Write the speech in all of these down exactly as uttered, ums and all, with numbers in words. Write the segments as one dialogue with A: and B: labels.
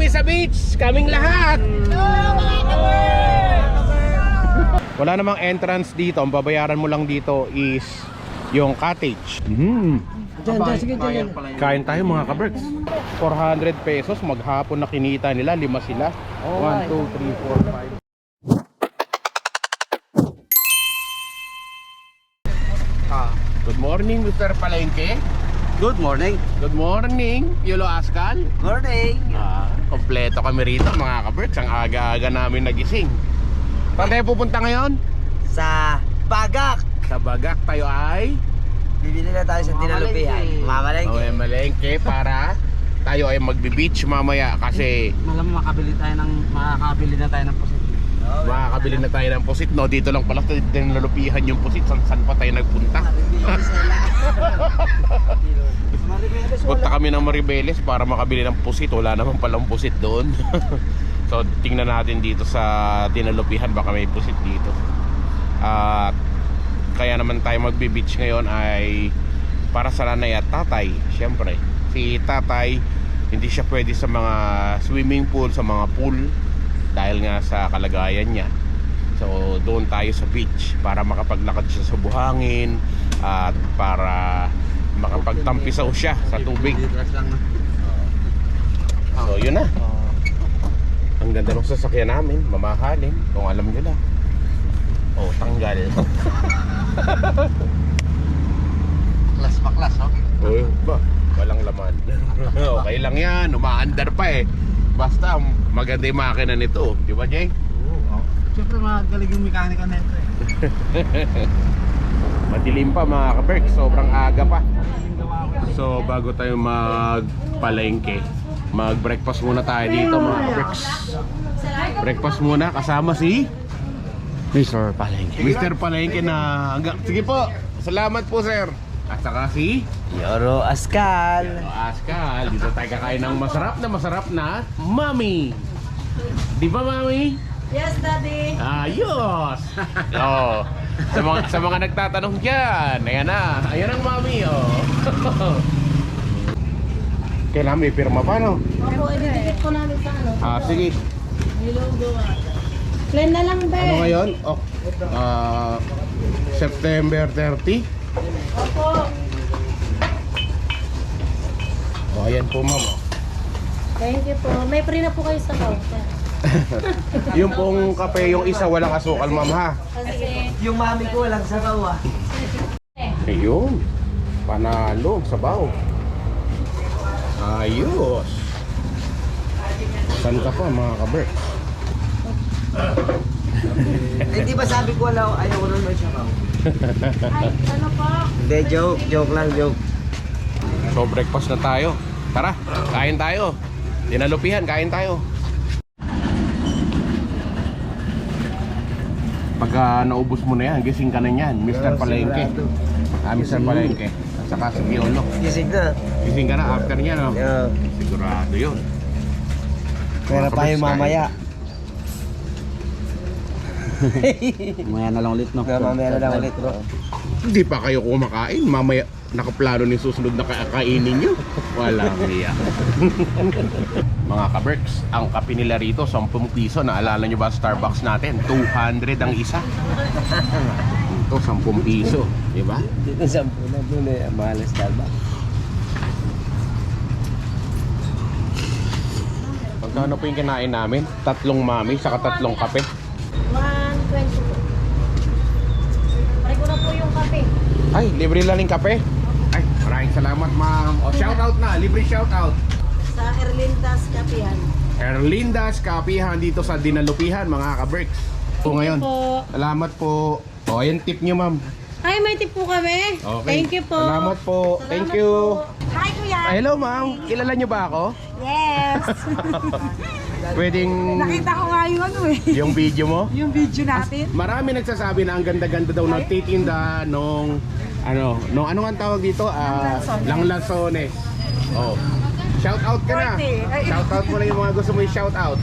A: sa beach, kaming lahat. Wala namang entrance dito. Ang babayaran mo lang dito is yung cottage. Mm.
B: Diyan, diyan, sige, diyan.
A: Kain tayo mga ka-Berks. four hundred pesos maghapon na kinita nila. Lima sila. one, two, three, four, five. Ah, good morning, Mister Palengke.
B: Good morning.
A: Good morning, Yulo Ascal.
B: Morning.
A: Ah, kompleto kami rito mga ka-Berks. Ang aga-aga namin nagising. Saan tayo pupunta ngayon?
B: Sa Bagak.
A: Sa Bagak tayo ay
B: Bibili na tayo sa Dinalupihan. Mamalengke.
A: okay, malengke para tayo ay magbe-beach mamaya kasi
C: Malam makabili tayo ng makakabili na tayo ng pusit.
B: Oh,
A: makakabili na tayo ng pusit, no? Dito lang pala tayo dinalupihan yung pusit. San, saan pa tayo nagpunta? Punta kami ng Maribeles para makabili ng pusit. Wala naman palang pusit doon. So tingnan natin dito sa dinalupihan, baka may pusit dito. At kaya naman tayo magbe-beach ngayon ay para sa nanay at tatay. Siyempre, si tatay hindi siya pwede sa mga swimming pool, sa mga pool dahil nga sa kalagayan niya. So doon tayo sa beach para makapaglakad siya sa buhangin at para makapagtampisaw siya sa tubig. So yun na. Ang ganda ng sasakyan namin, mamahalin kung alam nyo na. Oh, tanggal.
B: Klas pa klas, oh.
A: Uy, ba? Walang laman. Okay lang yan, umaandar pa eh. Basta maganda yung makina nito, di ba, Jay?
C: Oo. Siyempre magaling yung mekanika nito eh.
A: Madilim pa mga ka-Berk, sobrang aga pa. So bago tayo magpalengke, mag-breakfast muna tayo dito mga ka-Berks. Breakfast muna kasama si
C: Mister Palengke.
A: Mister Palengke na hanggang... Sige po, salamat po sir. At saka si
B: Yoro Ascal.
A: Ascal. Dito tayo kakain ng masarap na masarap na Mami. Di ba Mami?
D: Yes, Daddy.
A: Ayos! Oh, sa mga, sa mga nagtatanong dyan, ayan na. Ayan ang Mami, oh. Kailangan may pirma pa, no?
D: Ako, ididikit ko namin sa ano.
A: Ah, sige.
D: Nilugo ah. Plain na lang, be.
A: Ano ngayon? Oh, ah, September thirty.
D: Opo.
A: Oh, ayan po, ma'am.
D: Thank you po. May free na po kayo sa counter.
A: Yung pong kape, yung isa walang asukal, ma'am, ha?
D: Kasi,
B: Yung mami ko walang sabaw, ah.
A: Ayun. Panalo, sabaw. Ayos. Saan ka pa, mga ka-Berk?
B: Hindi ba sabi ko wala, ayaw ko nun may sabaw?
D: ay, ano po?
B: Hindi, joke. Joke lang, joke.
A: So, breakfast na tayo. Tara, kain tayo. Dinalupihan, kain tayo. Pagka naubos mo na yan, gising ka na yan, Mister Palengke. Ah, Mister Palengke. At saka si Piolo.
B: Gising na.
A: Gising ka na after niya, no?
B: Yeah.
A: Sigurado yun.
B: Pera
A: Mga
B: pa yung
A: kabers,
B: mamaya.
C: Mamaya na lang ulit, no?
B: Kaya mamaya na lang ulit, bro.
A: Hindi pa kayo kumakain. Mamaya nakaplano ni susunod na kakainin nyo. Walang niya. Mga ka-Berks, ang kape nila rito, ten piso. Naalala nyo ba Starbucks natin? two hundred ang isa. Ito, ten piso. Diba?
B: Dito sa muna doon eh, ang mahal na Starbucks.
A: Magkano po yung kinain namin? Tatlong mami, saka tatlong kape.
D: one twenty po. Pare ko na po yung kape.
A: Ay, libre lang yung kape. Ay, maraming salamat ma'am. O, shoutout na, libre shoutout.
D: Sa Erlindas Kapihan.
A: Erlindas Kapihan dito sa Dinalupihan, mga ka-Berks. So ngayon,
D: po.
A: salamat po. O, ayan tip nyo ma'am.
D: Ay, may tip po kami.
A: Okay.
D: Thank you po.
A: Salamat po.
D: Salamat
A: Thank you.
D: po. Hi, Kuya.
A: Ah, hello ma'am, kilala nyo ba ako?
D: Yes.
A: Pwedeng
E: Nakita ko nga yung ano eh,
A: yung video mo?
E: yung video natin.
A: Marami nagsasabi na ang ganda-ganda daw ng titinda nung ano, nung ano nga ang tawag dito? Ah, Langlasones. Oh. Shout out ka na.
E: Forte. Ay.
A: Shout out mo na yung mga gusto mo i-shout out.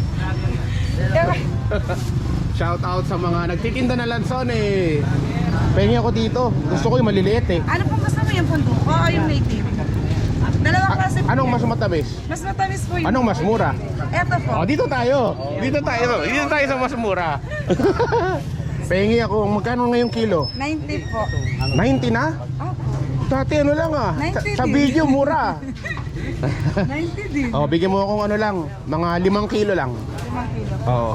A: Shout out sa mga nagtitinda ng lansones. Pengi ako dito. Gusto ko yung maliliit eh.
E: Ano pong gusto mo yung punduko o yung native? Dalawang klase po.
A: Anong
E: yan.
A: mas matamis?
E: Mas matamis po yun.
A: Anong mas mura?
E: Eto po.
A: Oh, dito tayo. Dito tayo. Dito tayo sa mas mura. Pengi ako. Magkano ngayong kilo?
E: ninety po.
A: ninety na?
E: Opo.
A: Dati ano lang ah. Sa,
E: ninety
A: sa
E: din.
A: video mura.
E: ninety din.
A: Oh, bigyan mo akong ano lang, mga limang kilo lang.
E: limang kilo.
A: Oo.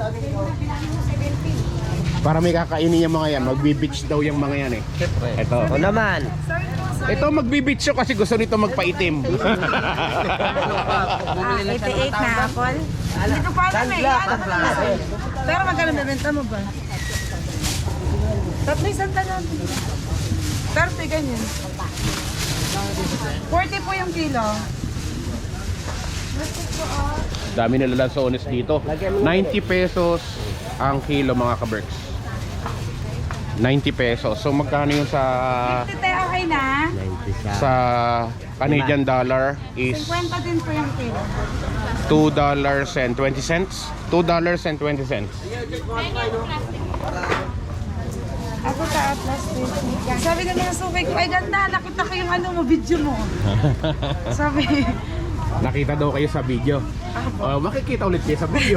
A: Para may kakainin yung mga yan. Magbi-beach daw yung mga yan eh. Ito.
B: O naman.
A: Ito magbi-beach siya kasi gusto nito magpaitim.
E: Ah, eighty-eight na apple. Hindi ko pa alam eh. Ano pa lang. Pero magkano bebenta mo ba? Tatlo isang talan. thirty ganyan. forty po yung kilo.
A: Dami nila lansones dito. ninety pesos ang kilo mga ka-berks. ninety pesos. So magkano yung sa
E: fifty tayo okay na.
B: ninety siya.
A: sa Canadian dollar is
E: fifty din po yung kilo.
A: two dollars and twenty cents. two dollars and twenty cents.
E: Ako ka Atlas fifty. Sabi na mga sukay ko, ay ganda, nakita ko yung ano mo, video mo. Sabi,
A: Nakita daw kayo sa video. Oh, makikita ulit kayo sa video.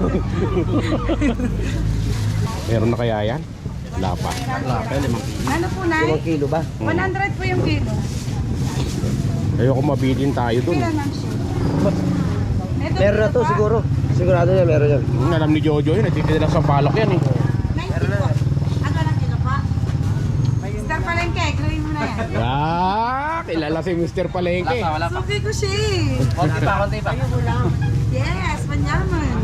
A: Meron na kaya yan? Wala pa.
C: Wala pa, limang kilo.
E: ano po na?
B: Limang kilo ba?
E: one hundred po yung kilo.
A: Ayoko mabitin tayo dun.
E: Pila lang siya. Ito,
B: Meron na
E: kilo
B: to
E: pa.
B: siguro. Sigurado yan, meron yan.
A: Hmm, alam ni Jojo yun, nagtitinda lang sa palok yan eh.
E: ninety po. Ano lang kilo pa? Mister Palengke, gawin mo na yan.
A: Ah, kilala si Mister Palengke.
C: Wala pa.
E: Suki ko siya eh.
C: Konti pa, konti pa.
E: Yes, manyaman.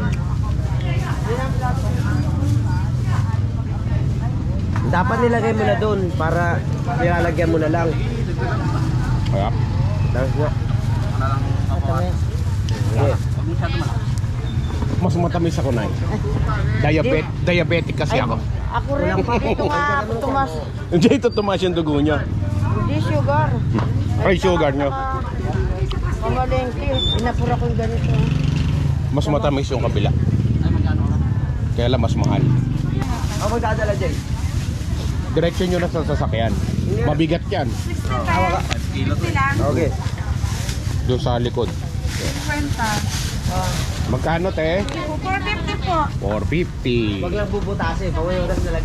B: Dapat nilagay mo na doon para nilalagyan mo na lang.
A: Kaya,
B: Tapos nga.
C: Ano lang ako.
B: Sige.
C: Huwag masyado malaki.
A: mas matamis ako na Diabet, diabetic kasi ako.
D: Ako rin. Dito nga ako tumas.
A: Hindi ito tumaas yung dugo niya.
D: Hindi sugar.
A: Ay, sugar niyo.
D: Pamalengke. Pinapura ko yung ganito.
A: Mas matamis yung kabila.
C: Ay, magkano lang.
A: Kaya lang mas mahal.
B: Ako magdadala dyan.
A: Direksyon nyo na sa sasakyan. Mabigat yan.
E: sixty tayo. fifty lang.
B: Okay.
A: Doon sa likod.
E: fifty.
A: Magkano te?
E: four fifty po.
A: four fifty.
B: Huwag lang bubutasin. Pawayotas na lang.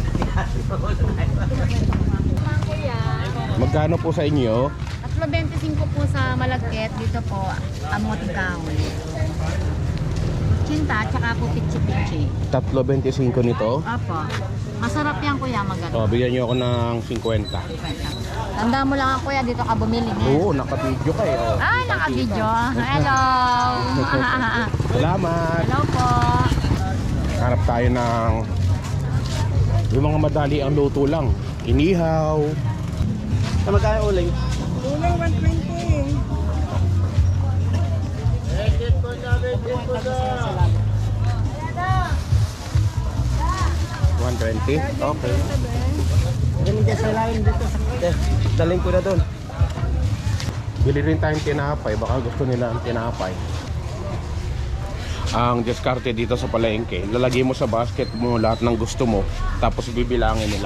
A: Magkano po sa inyo?
F: Tatlo twenty-five po sa Malagkit, dito po Amoting Kahoy. Cinta, tsaka po pitsi-pitsi.
A: Tatlo twenty-five nito.
F: Opo. Masarap yan kuya, maganda.
A: Oh, bigyan niyo ako ng fifty.
F: Tanda mo lang kuya, dito ka bumili niya.
A: Oo, naka-video ka eh. Oh.
F: Ah, naka-video. Hello!
A: Salamat.
F: Hello po.
A: Hanap tayo ng yung mga madali ang luto lang. Inihaw.
C: Sa magkano uling?
E: Ulang one twenty.
A: one twenty. Okay.
B: Ganun sa lalim dito. Daling ko na doon.
A: Bili rin tayong tinapay. Baka gusto nila ang tinapay. Ang diskarte dito sa palengke, lalagay mo sa basket mo lahat ng gusto mo, tapos bibilangin nila.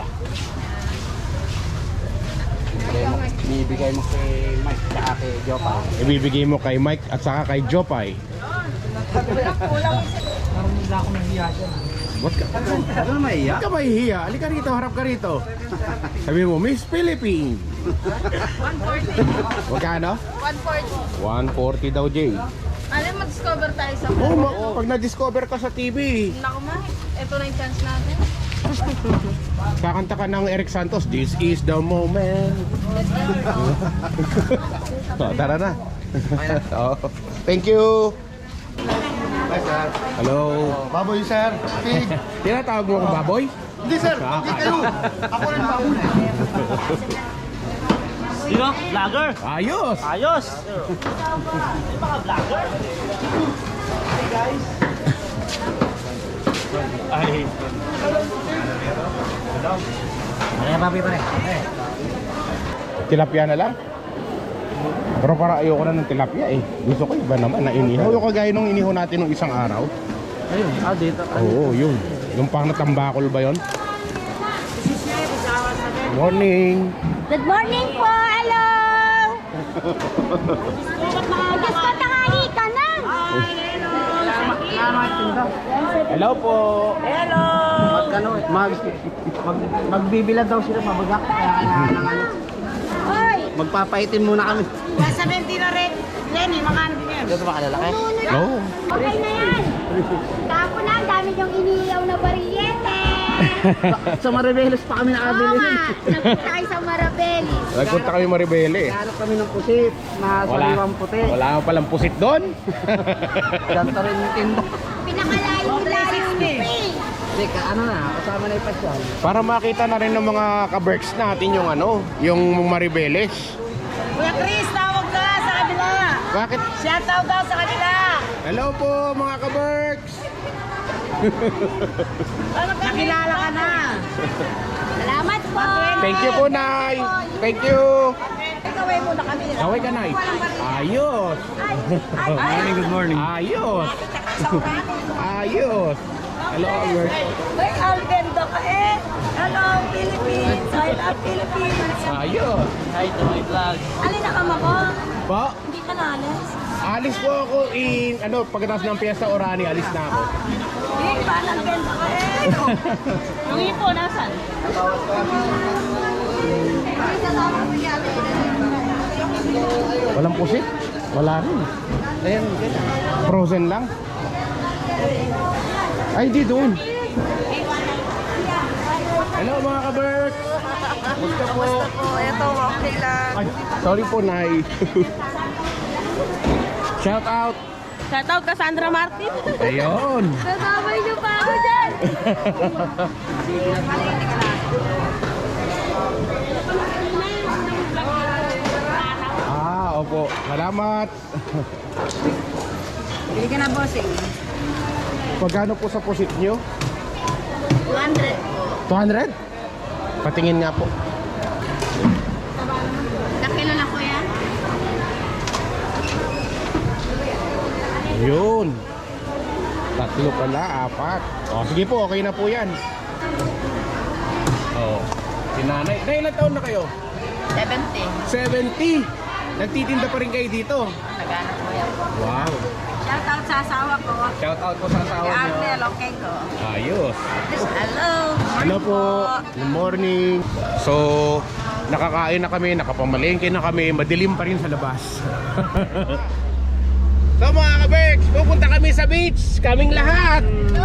C: Ibibigay mo kay Mike tsaka kay Jopa.
A: Ibibigay mo kay Mike at saka kay Jopay.
C: Parang hindi ako nahiya dyan.
A: Ba't ka?
C: Ano na mahiya?
A: Ba't ka mahihiya? Halika rito, harap ka rito. Sabi mo, Miss Philippines.
F: one forty.
A: Magkano?
F: one forty.
A: one forty daw, Jay.
F: Alam, mag-discover tayo sa
A: Oh, ma- pag na-discover ka sa T V,
F: Naku ma, ito na yung chance natin.
A: kakanta ka ng Eric Santos, This is the moment. So, tara na. Oh, thank you.
B: Hi, sir.
A: Hello.
B: Baboy, sir. Pig.
A: Tinatawag mo akong baboy?
B: Hindi, sir. Hindi kayo. Ako rin baboy.
C: Sino? Vlogger?
A: Ayos.
C: Ayos! Ay. Ano yung papi pa rin?
A: Tilapia na lang. Pero para ayoko na ng tilapia eh. Gusto ko iba naman na inihaw. Yung kagaya nung inihaw natin nung isang araw.
C: Ayun, ah dito.
A: Oo, yun. Yung pang natambakol ba yun? Morning.
F: Good morning po, hello!
D: Diyos ko, tanghali ka na!
A: Hello po.
C: Magkano, mag, mag, magbibilad daw sila mabagak. Kaya kailangan ng ano.
D: Hoy!
C: Magpapaitin muna kami.
E: Nasa twenty na rin. Lenny, makano din yan?
C: Dito ba kalalaki?
A: No.
D: Okay na yan! Tapo na, ang dami yung iniiyaw na bariyete!
C: Sa Maribeles pa kami
D: Oo
C: nakabili.
D: nga, nagpunta tayo sa Marabelis.
A: Nagpunta kami Maribele.
C: Hanap kami ng pusit na sariwang puti.
A: Wala ka palang pusit doon.
C: Ganto rin yung tinda.
D: Pinakalayo-layo ni Ping.
C: Hindi, ka, ano na, kasama na yung pasyal.
A: Para makita na rin ng mga ka-Berks natin yung ano, yung Maribeles.
E: Kuya Chris, tawag ka sa kanila.
A: Bakit?
E: Siya tawag daw sa kanila.
A: Hello po mga ka-Berks.
E: Nakilala ka na.
D: Salamat po!
A: Thank you po, Nay. Thank you.
E: Ikaway muna kami.
A: Kaway ka, Nay. Ayos.
C: Morning, good morning.
A: Ayos. Ayos. Hello, Albert.
E: Ay, Algendo ka eh. Hello, Philippines. I love Philippines.
A: Ayos.
C: Hi to my vlog.
D: Alin na kama ko?
A: Po,
D: Hindi ka naalis?
A: alis po ako in, ano, pagkatapos ng Fiesta Orani, alis na ako.
E: Hindi ba, Algendo ka eh.
D: Ang ito, nasan?
A: Walang pusit? Wala rin.
C: Ayan,
A: Frozen lang. Ay, di doon. Hello mga ka-Berks. Basta po.
E: Ito, okay lang.
A: Ay, sorry po, Nay. Shout out.
E: Shoutout Cassandra Martin.
A: Ayun.
D: Kasabay niyo pa ako dyan!
A: Ah, opo. Salamat.
E: Bili ka na, bossing.
A: Pagkano po sa pusit nyo?
D: two hundred po.
A: two hundred? Patingin nga po.
D: Nakilo na kuya?
A: Yun. Tatlo pala, apat. O, sige po, okay na po yan. Oh, si nanay. Nay, ilang taon na kayo?
E: seventy.
A: seventy. Nagtitinda pa rin kayo dito.
E: Nagana ko yan.
A: Wow.
E: Shoutout sa asawa ko.
A: Shout out po sa asawa
E: Si
A: niyo.
E: Arnel, okay ko.
A: Ayos.
E: Hello.
A: Hello po. Good morning. So, nakakain na kami, nakapamalengke na kami, madilim pa rin sa labas. So mga ka-Berks, pupunta kami sa beach. Kaming lahat.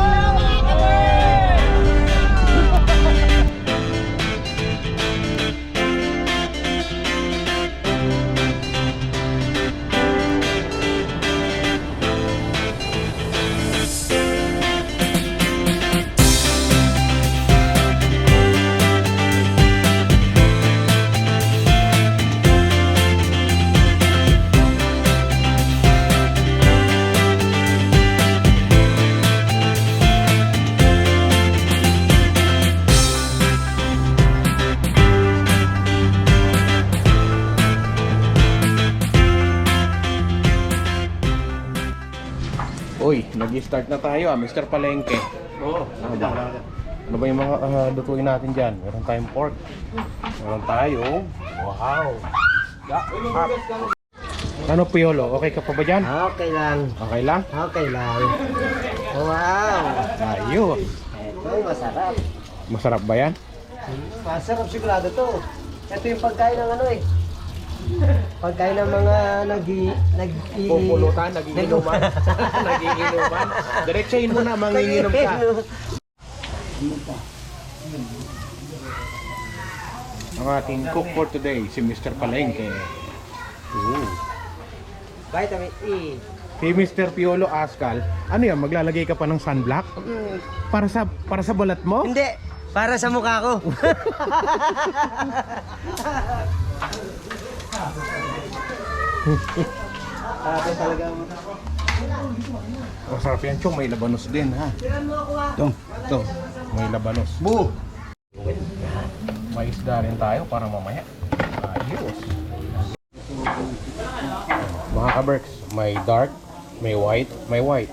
A: Uy, nag-start na tayo ah, Mister Palengke.
C: Oo.
A: Ano ba? Ano ba yung mga uh, lutuin natin dyan? Meron tayong pork. Meron tayo. Wow. Ano, Piolo? Okay ka pa ba dyan?
B: Okay lang.
A: Okay lang?
B: Okay lang. Wow.
A: Ayos.
B: Ito, masarap.
A: Masarap ba yan?
B: Masarap sigurado to. Ito yung pagkain ng ano eh. Pagkain ng mga nag nag
A: Pupulutan, nagiinuman. Nagiinuman. Diretsahin mo na, manginginom ka. Ang ating cook for today, si Mister Palengke. Ooh.
B: Vitamin E.
A: Si Mister Piolo Ascal, ano yan, maglalagay ka pa ng sunblock? Para sa para sa balat mo?
B: Hindi, para sa mukha ko. Ate talaga.
A: Masarap yan, Chong. May labanos din, ha?
C: Ito.
A: Ito, may labanos.
C: Bu!
A: May isda rin tayo para mamaya. Ayos. Mga ka-Berks, may dark, may white, may white.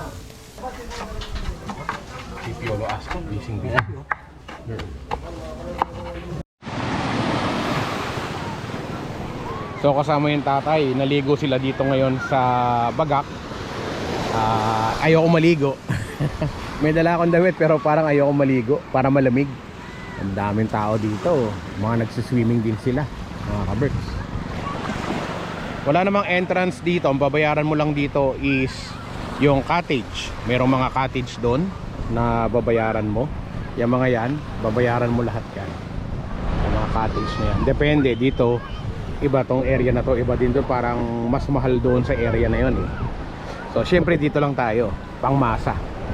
A: Si Piolo Ascal, bising bising. So So kasama yung tatay, naligo sila dito ngayon sa Bagak. uh, Ayoko maligo. May dala akong damit pero parang ayoko maligo para malamig. Ang daming tao dito, mga nagsiswimming din sila, mga kaberks. Wala namang entrance dito, ang babayaran mo lang dito is yung cottage. Merong mga cottage doon na babayaran mo. Yung mga yan, babayaran mo lahat yan. Yung mga cottage na yan. Depende dito, iba tong area na to, iba din doon, parang mas mahal doon sa area na yun eh. So syempre dito lang tayo, pangmasa.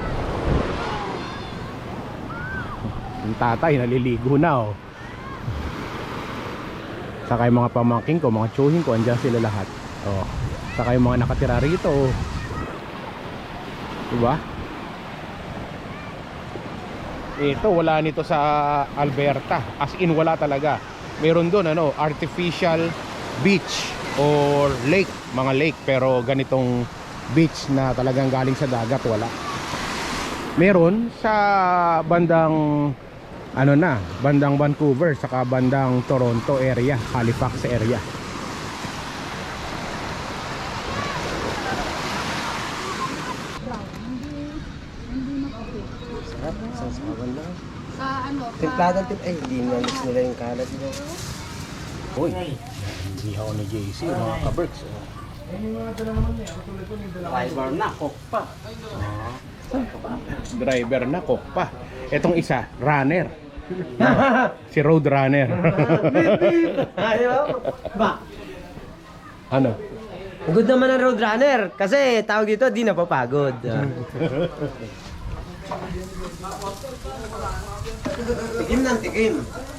A: Yung tatay naliligo na oh. Saka yung mga pamangking ko, mga tsuhin ko, andyan sila lahat oh. Saka yung mga nakatira rito oh. Diba? Ito wala nito sa Alberta. As in wala talaga. Meron doon ano, artificial beach or lake, mga lake, pero ganitong beach na talagang galing sa dagat wala. Meron sa bandang ano na, bandang Vancouver, saka bandang Toronto area, Halifax area.
B: Sarap, sasawan lang.
F: Sa ano?
B: Timpladang tip, ay hindi na mix nila yung kalat nila.
A: Uy, hindi ako ni J C, mga kaberks oh.
C: Driver na, cook pa.
A: Driver na, cook pa. Etong isa, runner. Si road runner.
B: Ba?
A: Ano?
B: Good naman ang road runner kasi tawag dito di napapagod. Tikim ng tikim.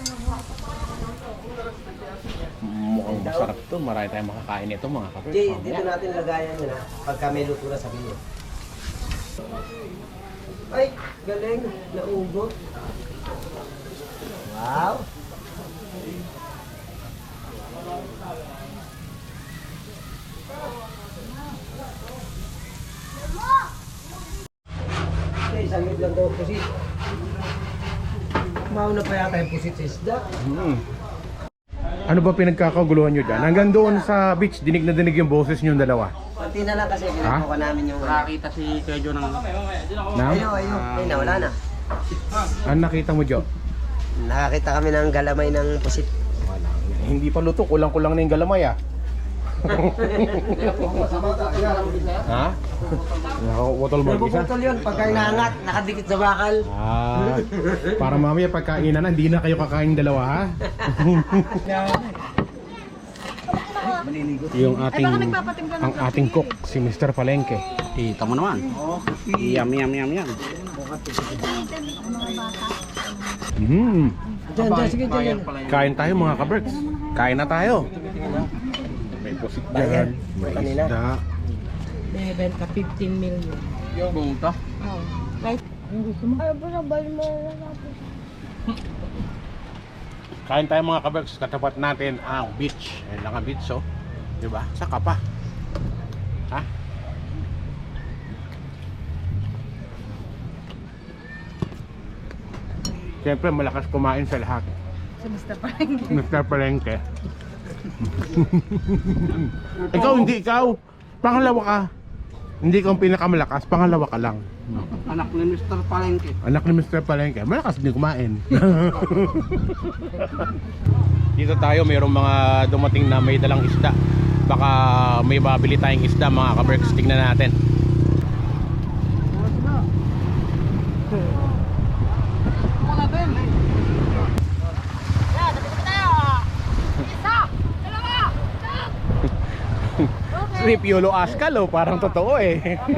A: Mukhang masarap to. Marami tayong makakain nito mga kaberks.
B: Di, dito natin lagayan yun ha. Pagka may luto na sabihin. Ay, galing. Naubo. Wow. Okay, isang hit lang daw pusit. Mauna pa yata yung pusit sa isda.
A: Hmm. Ano ba pinagkakaguluhan nyo dyan? Hanggang doon sa beach, dinig na dinig yung boses nyo dalawa.
B: Pati na lang kasi ginagawa namin yung...
C: Nakakita si Kejo ng...
A: Na?
B: Ayun, ayun. Ay, nawala na.
A: Ano nakita mo, Jo?
B: Nakakita kami ng galamay ng pusit.
A: Wala. Hindi pa luto. Kulang-kulang na yung galamay ah. Ha? Nakakutol mo isa?
B: Napuputol yun pagka inaangat, nakadikit sa bakal.
A: Ah, para mamaya pagkainan na, hindi na kayo kakain dalawa ha? Yung ating ang ating cook si Mister Palengke.
C: Kita mo naman. Yum, yum, yum, yum.
A: Hmm.
B: Diyan, diyan, sige, diyan.
A: Kain tayo mga kaberks. Kain na tayo. May pusit dyan, may
B: Kanina.
A: isda.
E: May benta fifteen million.
C: Buong to.
E: Oh. Right.
D: Ay, basta bali mo na natin.
A: Kain tayo mga kaberks. Katapat natin ang beach. Ayan lang ang beach oh. Diba? Saka pa. Ha? Siyempre malakas kumain sa lahat.
E: Si Mister Palengke.
A: Mister Palengke. Ikaw hindi ikaw. Pangalawa ka. Hindi ka ang pinakamalakas, pangalawa ka lang.
C: Anak ni Mister Palengke.
A: Anak ni Mister Palengke, malakas din kumain. Dito tayo, mayroong mga dumating na may dalang isda. Baka may babili tayong isda mga kaberks. Tingnan natin. Strip Yolo Askal oh, parang totoo eh.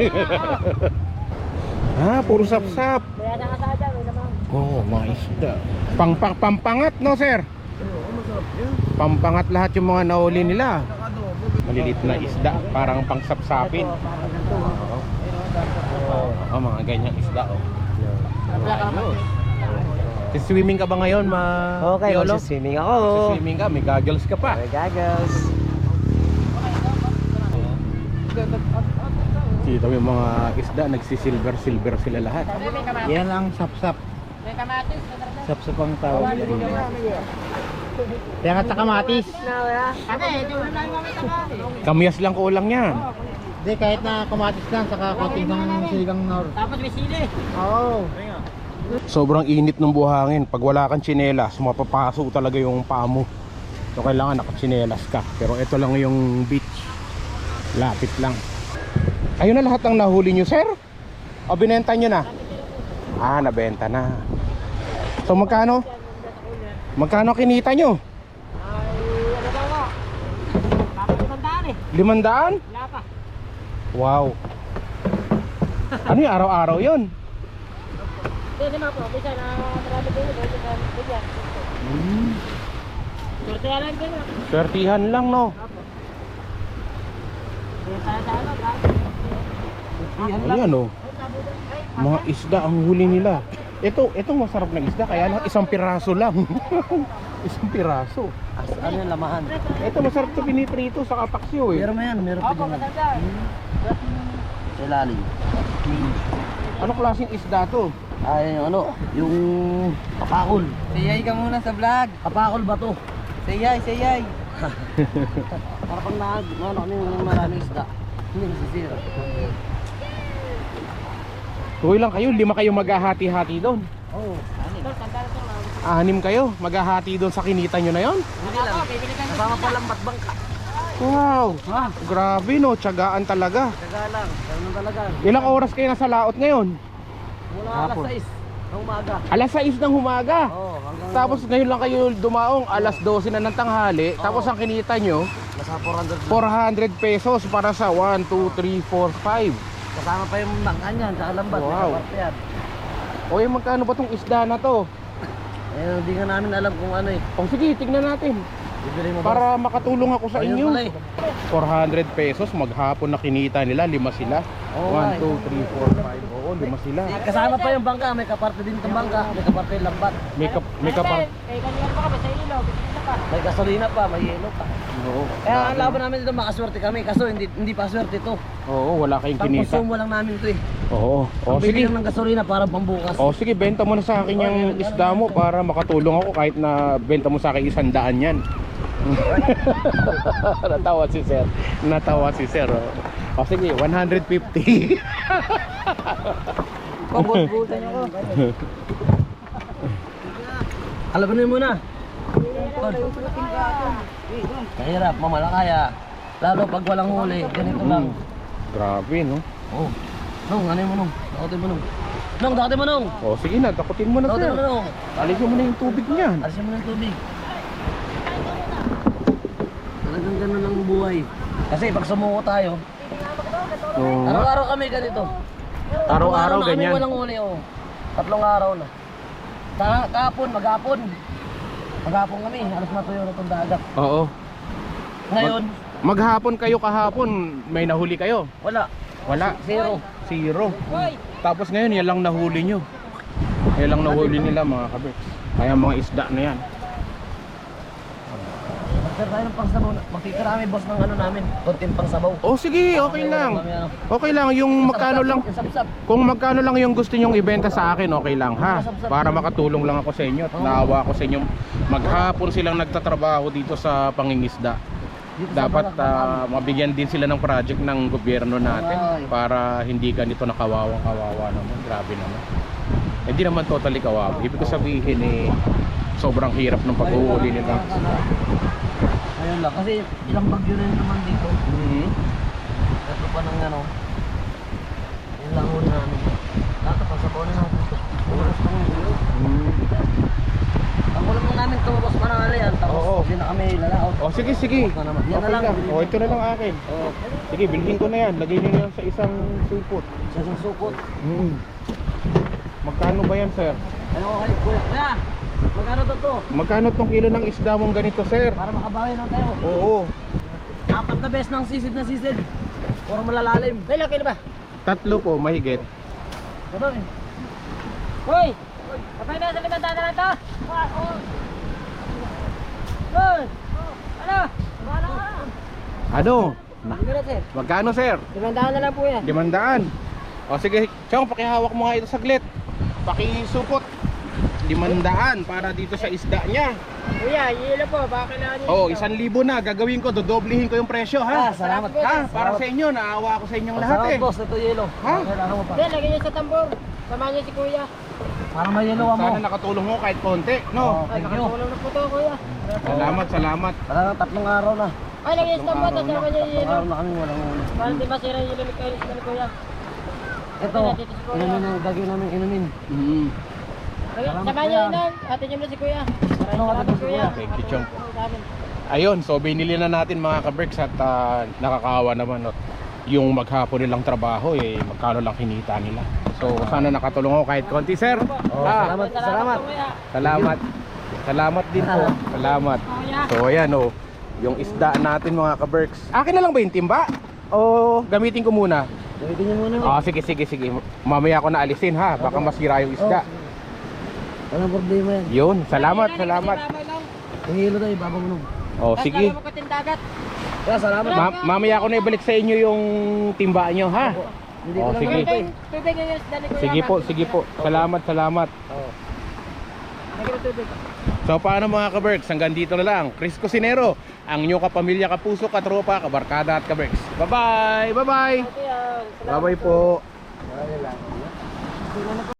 A: Ah, puro sapsap.
D: Kaya nakasada, may naman.
A: Oh, mga isda. Pang, pang, pampangat no sir? Pampangat lahat yung mga nahuli nila. Malilit na isda, parang pangsapsapin. Oh, oh, mga ganyang isda oh. Ayos. Swimming ka ba ngayon, ma?
B: Okay,
A: Yolo?
B: swimming ako.
A: Swimming ka, may goggles ka pa.
B: May goggles.
A: Dito yung mga isda, nagsisilver-silver sila lahat.
C: Yan ang sapsap. Sapsap ang tawag. Kaya nga sa kamatis.
A: Kamyas lang kulang yan.
C: Hindi, kahit na kamatis lang, saka konting ng siligang nor.
E: Tapos may sili.
C: Oo.
A: Sobrang init ng buhangin. Pag wala kang tsinelas, mapapaso talaga yung paa mo. So kailangan nakatsinelas ka. Pero ito lang yung beach. Lapit lang. Ayun na lahat ng nahuli nyo, sir? O binenta nyo na? Ah, nabenta na. So magkano? Magkano kinita nyo? Limandaan? Wow. Ano yung araw-araw yun?
E: Hindi naman po, bisa na marami kayo, dito sa bigyan.
A: Hmm.
E: Sorte lang din.
A: Swertihan lang, no?
E: Kaya tayo sa ano, bro.
A: Ayan, oh. Mga isda ang huli nila. Ito, itong masarap na isda, kaya lang isang piraso lang. Isang piraso.
B: As, ano yung lamahan?
A: Ito masarap to piniprito sa kapaksyo, eh.
B: Meron mo yan, meron pa
E: Opo,
B: dyan.
E: maganda.
B: Sa ilalim.
A: Ano klaseng isda to?
B: Ay, yung ano, yung kapakol.
C: Sayay ka muna sa vlog.
B: Kapakol ba to?
C: Sayay, sayay.
B: Para pag na, ano, ano yung maraming isda. Hindi nasisira.
A: Tuloy lang kayo, lima kayo maghahati-hati doon.
B: Oo.
A: Anim kayo, maghahati doon sa kinita nyo na yon.
B: Hindi lang. Kasama pa lang batbangka.
A: Wow, grabe no, tiyagaan talaga.
B: Taga lang, ganun talaga.
A: Ilang oras kayo nasa laot ngayon?
B: Mula alas sais ng umaga.
A: Alas sais ng humaga.
B: Oo, hanggang
A: Tapos ngayon lang kayo dumaong, alas dose na ng tanghali. Tapos ang kinita nyo,
B: nasa four hundred lang.
A: four hundred pesos para sa one, two, three, four, five.
B: Kasama pa yung bangkan yan, sa alambat.
A: Wow.
B: May kaparte yan.
A: O yung magkano ba tong isda na to?
B: Eh, hindi nga namin alam kung ano eh.
A: O sige, tignan natin.
B: Bibili mo ba?
A: Para makatulong ako sa
B: Ayun
A: inyo.
B: pala eh.
A: four hundred pesos, maghapon na kinita nila, lima sila.
B: Oo,
A: one,
B: ay.
A: two, three, four, five. Oo, lima sila.
B: Eh, kasama pa yung bangka, may kaparte din itong bangka, may kaparte yung lambat.
A: May, kap may kapar...
E: Eh, kanina pa kami sa ilaw, bigyan pa.
B: May gasolina pa, may yelo pa.
A: Oo.
B: Kaya ang laban namin dito, makaswerte kami, kaso hindi hindi pa swerte ito.
A: Oo, wala kayong kinita.
B: Pang-consumo lang namin ito eh.
A: Oo. O
B: Ang bili
A: sige.
B: lang ng gasolina para pambukas.
A: O sige, benta mo na sa akin yung isda mo para makatulong ako kahit na benta mo sa akin isang daan yan. Natawa si sir. Natawa si sir. O, o sige, one hundred fifty.
C: Pabot-butan niyo ko.
B: Alam mo muna. Mahirap, mamalakaya. Lalo pag walang huli, ganito lang.
A: Grabe, no?
B: Oh. Nung, ano mo nung? Dakotin mo nung. Nung, dakotin mo nung.
A: O sige na, takutin mo na
B: Dakotin
A: sir.
B: mo nung.
A: Alisin mo na yung tubig niyan.
B: Alisin mo ng tubig. Talagang ganun ang buhay. Kasi pag sumuko tayo,
A: Oo nga.
B: araw-araw kami ganito.
A: Araw-araw
B: na kami
A: ganyan.
B: walang huli, oh. Tatlong araw na. Ka kahapon, maghapon. Maghapon kami, alas matuyo na itong dagat.
A: Oo.
B: Ngayon,
A: Maghapon kayo kahapon, may nahuli kayo?
B: wala.
A: Wala.
B: Zero.
A: Zero. Tapos ngayon, yan lang nahuli nyo. Yan lang nahuli nila mga kabits. Kaya mga isda na yan.
B: Magtira tayo ng pangsabaw. Magtitira kami, boss, ng ano namin. Konting pangsabaw.
A: O sige, okay lang. Okay lang, yung magkano lang.
B: Yung sapsap.
A: Kung magkano lang yung gusto nyong ibenta sa akin, okay lang ha. Para makatulong lang ako sa inyo at naawa ako sa inyo. Maghapon silang nagtatrabaho dito sa pangingisda.
B: Dito sa
A: Dapat
B: Barak,
A: ah, mabigyan din sila ng project ng gobyerno natin
B: Ay.
A: para hindi ganito nakawawang kawawa naman. Grabe naman. Hindi naman totally kawawa. Ibig ko sabihin eh, sobrang hirap ng pag-uuli nila.
B: Ayun lang, kasi ilang bagyo rin naman dito.
A: Mhm.
B: Ito pa ng ano. Yun lang huli namin. Dato, pangsabaw na natin ito. Oras pa ng ulo.
A: Mm.
B: Ang ulam lang namin ito, boss, manangali yan. Tapos
A: Oo.
B: hindi na kami lalaot.
A: O sige, sige.
B: Tapos na naman. Yan na
A: Okay
B: lang.
A: lang. O ito na lang akin.
B: Oo.
A: Sige, bilhin ko na yan. Lagay nyo na yan sa isang supot.
B: Sa isang sukot.
A: Mm. Magkano ba yan, sir?
B: Ano ko kayo, kuya? Kuya, magkano to to?
A: Magkano tong kilo ng isda mong ganito, sir?
B: Para makabawi lang tayo.
A: Oo.
B: Apat na beses ng sisid na sisid. Puro malalalim. May laki na ba?
A: Tatlo po, mahigit.
B: Ito eh.
E: Hoy! Kapag na sa limandaan na lang to? Hoy! Ano? Wala ka.
A: Ano?
B: Hindi na, sir.
A: Magkano, sir?
E: Limandaan na lang po yan.
A: Limandaan. O sige, Chong, pakihawak mo nga ito saglit. Pakisupot. Limandaan para dito sa isda niya.
C: Kuya, yelo po, baka kailangan niyo.
A: Oh, isang libo na. Gagawin ko, dodoblihin ko yung presyo, ha?
B: Ah, salamat.
A: Ha? Para sa inyo, naawa ako sa inyong lahat
B: Salamat
A: eh.
B: boss, ito yelo.
A: Ha?
B: Kailangan mo pa.
C: Hindi, lagyan niyo sa tambor. Samahan niyo si kuya.
B: Para may yelo mo.
A: Sana nakatulong mo kahit konti, no?
B: Oh,
C: Ay,
B: thank you.
C: nakatulong na po to, kuya.
A: Salamat, salamat.
B: Talagang tatlong araw na.
C: Ay, lagyan niyo sa tambor, tapos samahan niyo yung
B: Tatlong
C: yelo.
B: araw na kami walang ulo.
C: Para di masira yung yelo ni Kailis na ni kuya.
B: Ito, inumin ang gagawin namin inumin.
A: Mm.
C: Lagyan- Samahan niyo yun nun. Atin niyo na si kuya. Maraming
B: Ano,
C: salamat,
B: atin si
C: kuya.
B: kuya.
A: Thank you, Chong.
C: Sa amin.
A: Ayun, so binili na natin mga ka-Berks at ah, nakakaawa naman, no? Yung maghapon nilang trabaho, eh, magkano lang kinita nila. So sana nakatulong ako kahit konti, sir.
B: Oh,
A: Ah,
B: salamat, salamat.
C: po, kuya.
A: Salamat. Salamat din po. Salamat. So ayan, oh, yung isda natin mga ka-Berks. Akin na lang ba yung timba? O gamitin ko muna?
B: Gamitin niyo muna.
A: Ah, sige, sige, sige. Mamaya ko na alisin, ha. Baka masira yung isda.
B: Walang problema yan.
A: Yun, salamat, salamat.
B: Yung yelo tayo, ibabang mo.
A: Oh, sige.
C: Tapos lagyan mo dagat.
B: Kaya salamat.
A: Ma- mamaya ko na ibalik sa inyo yung timba nyo, ha.
B: Hindi
A: Oh,
B: ko lang
A: sige.
B: ganito eh.
C: Tubig yung isda ni kuya.
A: Sige po, sige po. Salamat, salamat.
B: Oh.
C: Lagyan mo tubig.
A: So paano mga ka-Berks, hanggang dito na lang. Chris Cusinero, ang inyong kapamilya, kapuso, katropa, kabarkada at ka-Berks. Bye-bye! Bye-bye!
C: Kuya, salamat.
A: Bye-bye po.
B: Wala lang.